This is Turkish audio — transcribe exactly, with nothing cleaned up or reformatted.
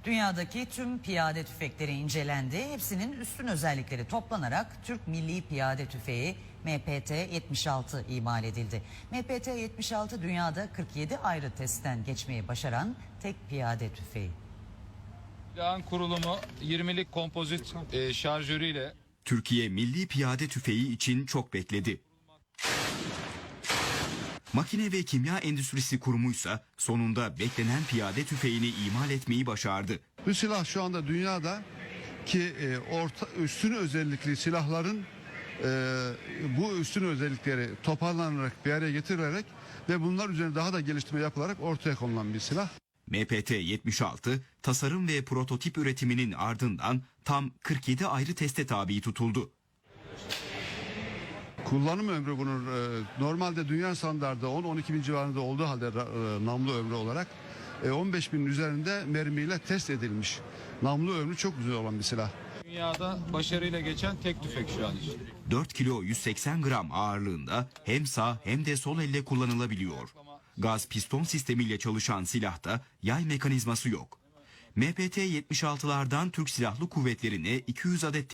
Dünyadaki tüm piyade tüfekleri incelendi. Hepsinin üstün özellikleri toplanarak Türk Milli Piyade Tüfeği M P T yetmiş altı imal edildi. M P T yetmiş altı dünyada kırk yedi ayrı testten geçmeyi başaran tek piyade tüfeği. Silahın kurulumu yirmilik kompozit e, şarjörüyle. Türkiye Milli Piyade Tüfeği için çok bekledi. Makine ve Kimya Endüstrisi Kurumu'ysa sonunda beklenen piyade tüfeğini imal etmeyi başardı. Bu silah şu anda dünyada ki e, orta üstün özellikli silahların e, bu üstün özellikleri toparlanarak bir araya getirilerek ve bunlar üzerine daha da geliştirme yapılarak ortaya konulan bir silah. M P T yetmiş altı tasarım ve prototip üretiminin ardından tam kırk yedi ayrı teste tabi tutuldu. Kullanım ömrü bunun e, normalde dünya standardı on on iki bin civarında olduğu halde e, namlu ömrü olarak e, on beş binin üzerinde mermiyle test edilmiş. Namlu ömrü çok güzel olan bir silah. Dünyada başarıyla geçen tek tüfek şu an için. dört kilo yüz seksen gram ağırlığında hem sağ hem de sol elle kullanılabiliyor. Gaz piston sistemiyle çalışan silahta yay mekanizması yok. M P T yetmiş altılardan Türk Silahlı Kuvvetleri'ne iki yüz adet